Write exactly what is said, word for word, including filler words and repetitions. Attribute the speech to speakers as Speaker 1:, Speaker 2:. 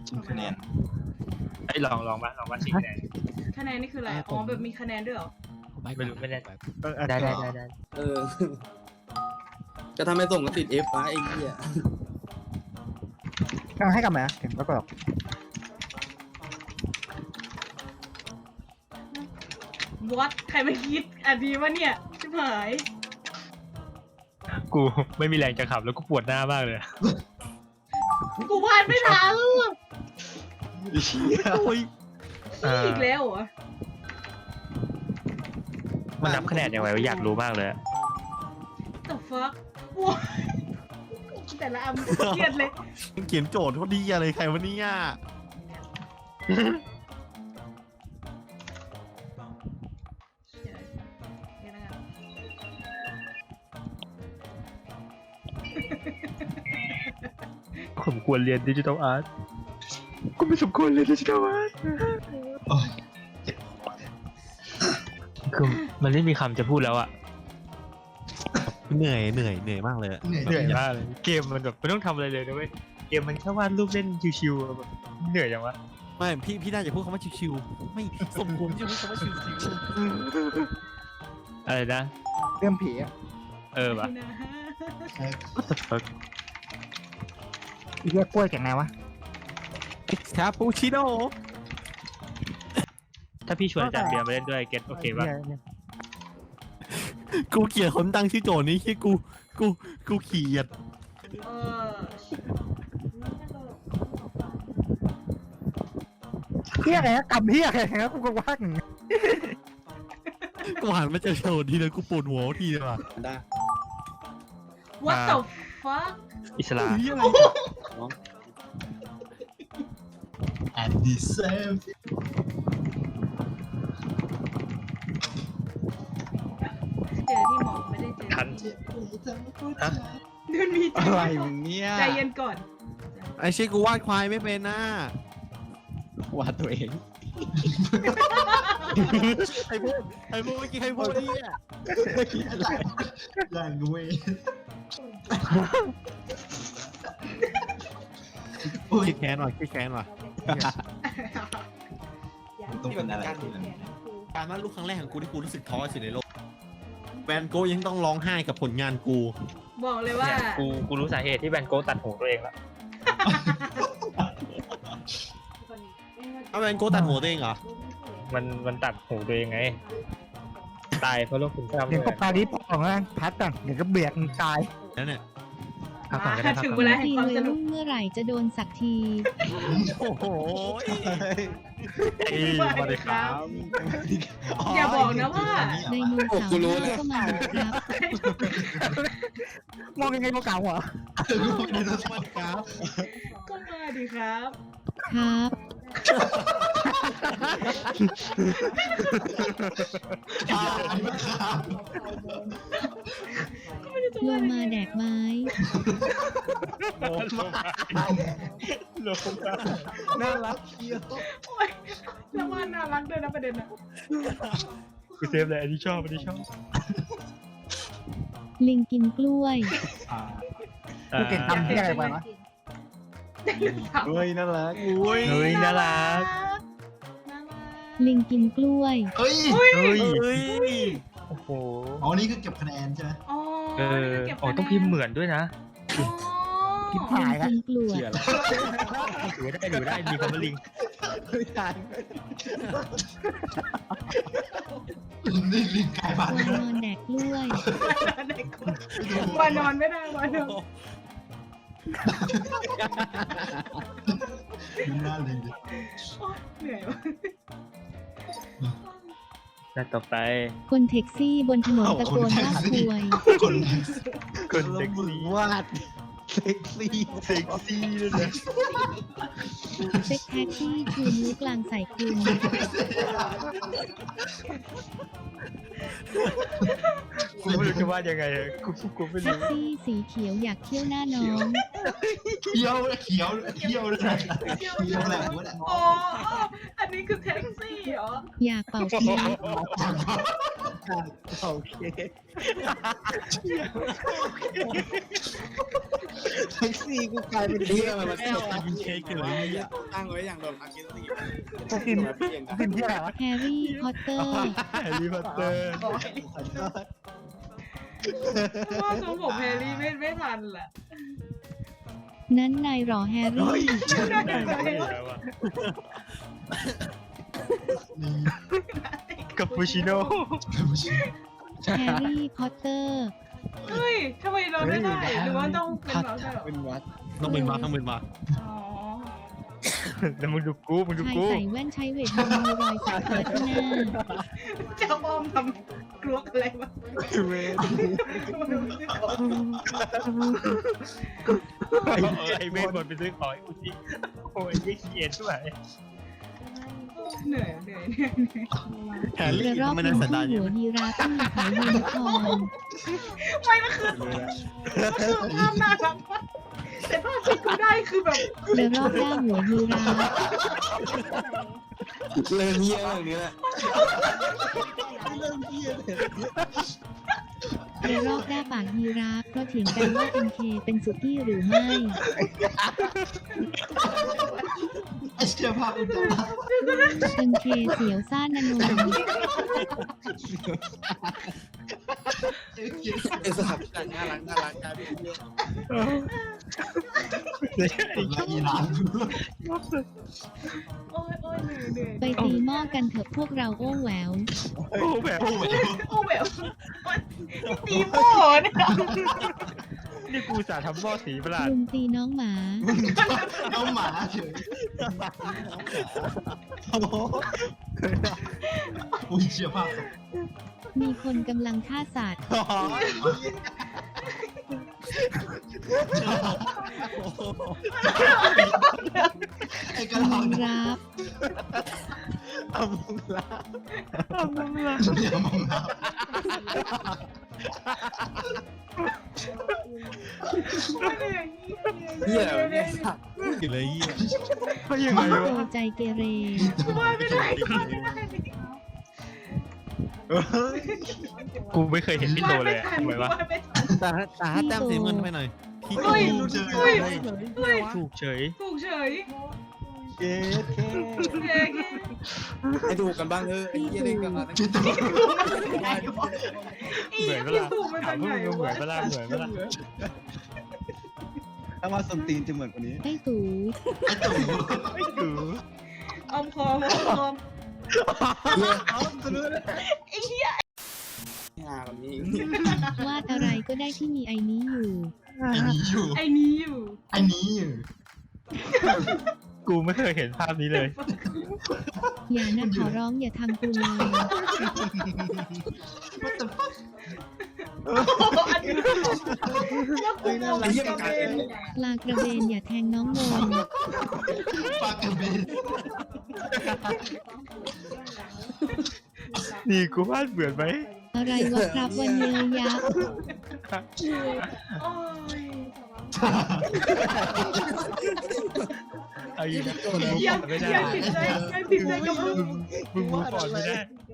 Speaker 1: ชิงคะแนน
Speaker 2: ไอ้ลองลองมาลองมาชิงคะแนน
Speaker 3: คะแนนนี่คืออะไรอ๋อแบบมีคะแนนด้วยเหรอ
Speaker 2: ไม่รู้ไม่แน่ใจ
Speaker 4: เออ
Speaker 2: ได้ได้ได้ได้
Speaker 5: เออ จะทำให้ส่งก็ติด F วะไอ้เหี้ย
Speaker 4: เอาให้กลับมาเห็นแล้วก็แบบ
Speaker 3: วัดใครไม่คิดอันนี้วะเนี่ยชิบหาย
Speaker 2: กูไม่มีแรงจะขับแล้วกูปวดหน้ามากเลย
Speaker 3: กูวาดไม่ทัน
Speaker 1: เชี่ย
Speaker 4: โอ้ย
Speaker 3: นี่อีกแล้วเหรอ
Speaker 2: มันนับคะแนนยังไงวะอยากรู้มากเลย
Speaker 3: the fuck ว้าแต่ละอันเครียดเลย
Speaker 4: เขียนโจทย์เขาดีอะไรใครวะเนี่ย
Speaker 3: เชี่ยเดี๋ยวนะครับ
Speaker 2: ผมควรเรียนดิจิทัลอาร์ตกูไม่สมควรเรียนดิจิทัลอาร์ต
Speaker 1: โอ้ย
Speaker 2: คือมันไม่มีคำจะพูดแล้วอะ
Speaker 4: เหนื่อยเหนื่อยเหนื่อยมากเลย
Speaker 1: เหนื่อย
Speaker 2: เหนื่อยมากเลยเกมมันแบบไม่ต้องทำอะไรเลยนะเว้ยเกมมันแค่วาดรูปเล่นชิวๆแบบเหนื่อยจังวะ
Speaker 4: ไม่พี่พี่น่าจะพูดคำว่าชิวๆไม่สมควรที่จะพูดคำว่าชิว
Speaker 2: อะไรนะ
Speaker 4: ๆเรื่องผีอ่ะ
Speaker 2: เออวะ
Speaker 3: นะ
Speaker 2: What the fuck
Speaker 4: เรียกกล้วยจากไหนวะคาปูชิโน่
Speaker 2: ถ้าพี่ชวนอาจารย์เบียร์มาเล่นด้วยเก็ตโอเคปะ
Speaker 4: กูเกลียดคนตั้งชื่อโจทย์นี้ที่กูกูกูเกลียด
Speaker 3: เออ
Speaker 4: เฮียอะไรนะกำเฮียอะไรนะกูก็ว่างกูหันมาเจอโจทย์ทีเลยกูปวดหัวทีเลยว่ะ
Speaker 5: ได้
Speaker 3: what the fuck
Speaker 2: อิสลาม
Speaker 4: เฮียอะไร
Speaker 1: แอนดี้เซม
Speaker 3: เจอที่หมอไม่ได้เจอ
Speaker 2: ทันฮะ
Speaker 3: มันมี
Speaker 4: อะไรมึงเนี่ย
Speaker 3: ใจเย็นก่อน
Speaker 4: ไอ้เชี่ยกูวาดควายไม่เป็นนะ
Speaker 1: วาดตัวเอง
Speaker 4: ใครพูดใครพูดเมื่อกี้ใครพูดเนี่ย
Speaker 1: แรงด้วยโอ้ย
Speaker 4: คิดแค้นว่ะคิดแค้นว่ะ
Speaker 1: ต้องเป็นอะไรที่มัน
Speaker 4: การวาดรูปครั้งแรกของกูที่กูรู้สึกท้อที่สุดในโลกแวนโก้ยังต้องร้องไห้กับผลงานกู
Speaker 3: บอกเลยว่า
Speaker 2: เนี่ยกูกูรู้สาเหตุที่แบนโก้ตัดหูตัวเองแล้ว
Speaker 4: เอาแวนโก้ตัดหัวตัวเองเหรอ
Speaker 2: มันมันตัดหูตัวเองไงตายเพราะโรคซึมเศร้า
Speaker 6: เดี๋ยวก็ปารีพองนะพัดอ่ะเดี๋ยวก็เบียดมึงตาย
Speaker 4: แล้วเนี่ย
Speaker 2: พักก่อนก็ได้พัก
Speaker 3: ถึง
Speaker 2: ก่
Speaker 3: เว
Speaker 2: อน
Speaker 3: ลาแห่ง
Speaker 7: ที
Speaker 3: ความ
Speaker 7: วัย
Speaker 3: สนุก
Speaker 7: รุ่นเมื่อไหร่จะโดนสักที
Speaker 4: โอ้โห
Speaker 2: เอ้ยสวัสดีครับ
Speaker 3: อย่าบอกนะว่า
Speaker 7: ไดโนเสาร์หน้าก็มาครับ
Speaker 6: มองยังไงก็เก่าเหรอ
Speaker 4: ครับ
Speaker 3: ก็มาดีครับ
Speaker 7: ครับ ลงมาแดกไม้
Speaker 2: โลกมา
Speaker 4: น่ารักเชียว
Speaker 3: โอ๊ยแล้วว่าน่ารักด้วยนะประเด็นนะ
Speaker 2: กูเซฟเลยอันนี้ชอบอันนี้ชอบ
Speaker 7: ลิงกินกล้วย
Speaker 6: กูเก่งทำที่อะไรไปวะ
Speaker 4: เฮ้ยน่ารัก
Speaker 2: เฮ้ยน่ารัก
Speaker 3: น่ารัก
Speaker 7: ลิงกินกล้วย
Speaker 1: เฮ้ย
Speaker 2: เฮ้ย
Speaker 4: เฮ้ย
Speaker 2: โอ้โห
Speaker 1: อ๋อนี่คือเก็บคะแนนใช่ไหม
Speaker 3: อ๋อ
Speaker 2: เออ
Speaker 3: เก็บ
Speaker 2: อ๋อต้องพิมพ์เหมือนด้วยนะ
Speaker 3: อ๋อ
Speaker 6: คิด
Speaker 7: ลิ
Speaker 6: หาย
Speaker 7: ง
Speaker 6: ละ
Speaker 7: กินกล้วย
Speaker 2: เชื่อแล้วดูได้ดูได้มีคำว่าลิง
Speaker 1: นี่ลิงกลายพัน
Speaker 7: วา
Speaker 1: ธุ์
Speaker 7: นอนแดกกล้วย
Speaker 3: วานอนไม่ได้วานอน
Speaker 1: ดูหน้าลิงดิ
Speaker 3: โอ๊ยเหนื่อยวะ
Speaker 2: แล้วต่อไป
Speaker 7: คนแท็กซี่บนถนนตะโกนว่าควย
Speaker 1: คน
Speaker 2: คนเซ็กซี่
Speaker 4: วาดเซ็กซี่
Speaker 2: เซ็กซี่เลยนะ
Speaker 7: เซ็กแท็กซี่ชูนิ้วกลางใส่คุณ
Speaker 2: กูไม่รู้จะว่ายังไงอะกูกูไม่
Speaker 7: แท็ก
Speaker 2: รู้
Speaker 7: ซี่สีเขียวอยากเที่ยวหน้าน้อง
Speaker 1: เขียวเขียวเขียวเลยนะเขียวแหละวะแหละ
Speaker 3: อ๋ออันนี้คือแท็กซี่เหรอ
Speaker 7: อยากเป่าเค้ก
Speaker 4: โอเค
Speaker 6: แท็กซี่กูกลายเป็น
Speaker 5: เฮียมันมา
Speaker 4: ไม่เอาอะกินเค้กกันเลย
Speaker 5: ตั้งไว้อย่างแบบอากินสี่
Speaker 6: จะกินกินที่ไหนวะ
Speaker 7: แฮร์รี่พอตเตอร์
Speaker 2: แฮร์รี่พอตเตอร์
Speaker 3: ว่าทรงผมแฮร์รี่ไม่ไม่ทันแหละ
Speaker 7: นั้นนายหรอแฮร์รี่
Speaker 2: กับปูชิโน่
Speaker 7: แฮร์รี่พอตเตอร์
Speaker 3: เฮ้ยทำไมเราไม่ได้หรือว่าต้องเป็นเราได้หรอ
Speaker 5: เป็นวัด
Speaker 4: ต้องเป็นมาต้องเป็นมา
Speaker 3: อ๋อ
Speaker 2: แล้วมึงดูกูมึงดู
Speaker 7: ชาย
Speaker 2: กู
Speaker 7: ใส่แว่นใช้เวทมนต์มีรอยสักเกิดที่หน้า
Speaker 3: เจ้าบอมทำกลัวอะไรวะ
Speaker 2: ไอ้ไอ้เวทบนไปซื้อของไอ้กูที่โอ้ยไอ้เขียนด้วย
Speaker 3: เหนื่อยเหนื่อยเหนื่อยเหนื่อย
Speaker 4: แฮร์
Speaker 7: ก
Speaker 4: รี่
Speaker 7: ระรอก
Speaker 4: ไม่
Speaker 7: เป็
Speaker 4: ได้
Speaker 7: น
Speaker 4: สันดา
Speaker 7: ผู้
Speaker 4: น
Speaker 7: หัวยีราฟต้องมีเขายูนิคอร์น
Speaker 3: ไม่มันคือมันคือภาพน่ารักมากแต่ภาพที่กูได้คือแบบ
Speaker 7: กระรอกด้าหัวยีราฟ
Speaker 5: เริ่มเฮียอย่างนี้แหละ
Speaker 7: กระรอกด้าปากยีราฟเพราะเถียงกันว่าเป็นเคเป็นสุกี้หรือไม่
Speaker 1: ไอ้เชี่ยภาพอุจจาระ
Speaker 7: เป็นเคเสียวซ่านนน
Speaker 5: ไอ้สัตว์น่ารักน่ารักกลายเป็นเฮีย
Speaker 1: ผมละอีหลาน
Speaker 3: โอ้ยโอ้ยเหนื่อยเหนื่อย
Speaker 7: ไปตีหม้อกันเถอะพวกเราโอ้แหวว
Speaker 2: โอ้แบบ
Speaker 1: โอ้โห
Speaker 3: โอ้แบบตีโม่เนี่ย
Speaker 2: นี่กูสาทำหม้อสีประหลาด
Speaker 7: ลุงตีน้องหมา
Speaker 1: น้องหมาเฉยอุ้ยเชี่ยภาพ
Speaker 7: มีคนกำลังฆ่าสัตว์
Speaker 1: ไอ้กระ
Speaker 7: ม
Speaker 1: ลอ
Speaker 7: อง ง
Speaker 1: เนี่ย
Speaker 7: รับ
Speaker 2: เอามึงละเอามึงละ
Speaker 1: เนี่ยมองแล้ว
Speaker 5: เฮียเนี่ยสัตว์
Speaker 4: กินเลยเหี้ย
Speaker 2: เขายังไง
Speaker 7: โต
Speaker 2: วะ
Speaker 7: ใจเกเร
Speaker 3: ว่าไม่ได้ว่าไม่ได้
Speaker 2: กูไม่เคยเห็นพี่โตเลยอะทำไมวะ
Speaker 3: ไม่ทัน
Speaker 4: แต่แต่ถ้าแต้มสีเงินไปหน่อยพี่
Speaker 3: เฮ้ย
Speaker 1: ดูเฉย
Speaker 3: เฮ้ยเฮ้ย
Speaker 2: ถูกเฉย
Speaker 3: ถูกเฉย
Speaker 6: เย้เค
Speaker 3: โอเค
Speaker 5: ให้ดูกันบ้างเออไอ้เฮียเล่นกันมาตั้ง
Speaker 1: คิดตัว
Speaker 2: เหมือนเวลา
Speaker 3: ถูกมา
Speaker 2: ถา
Speaker 3: จาม ก
Speaker 2: ว่า
Speaker 3: ไหน
Speaker 2: มึงเหมื
Speaker 3: วะ
Speaker 2: อนเวลาเหมือนเวลา
Speaker 6: ถ้ามาส้นตีนจะเหมือนกว่านี้
Speaker 7: ไอ้ตู่
Speaker 1: ไอ้ตู่
Speaker 2: ไม่ถือ
Speaker 3: ออมคอมอมคอม
Speaker 5: ไอ้เฮียแบบนี้
Speaker 7: วาดอะไรก็ได้ที่มีไอ้นี้อยู่
Speaker 1: ไอ้นี้อยู่
Speaker 3: ไอ้นี้อยู่
Speaker 1: ไอ้นี้อยู่
Speaker 2: กูไม่เคยเห็นภาพนี้เลย
Speaker 7: อย่านะขอร้องอย่าทำกูเลย
Speaker 1: ว่าแต่ฟัก
Speaker 3: อันนี้แล้วกูมองกระเบน
Speaker 7: ปลากระเบนอย่าแทงน้องนน
Speaker 1: ปากกระเบน
Speaker 2: นี่กูวาดเหมือนไหม
Speaker 7: อะไรวะครับวันเยยยักษ์
Speaker 3: โอ้ย
Speaker 2: เอาอีกนะมึง
Speaker 3: ยัง
Speaker 2: ไม่ได้
Speaker 3: ยังติดใจยังติดใจกับมึง
Speaker 2: มึงมึงก่อนไม่ได้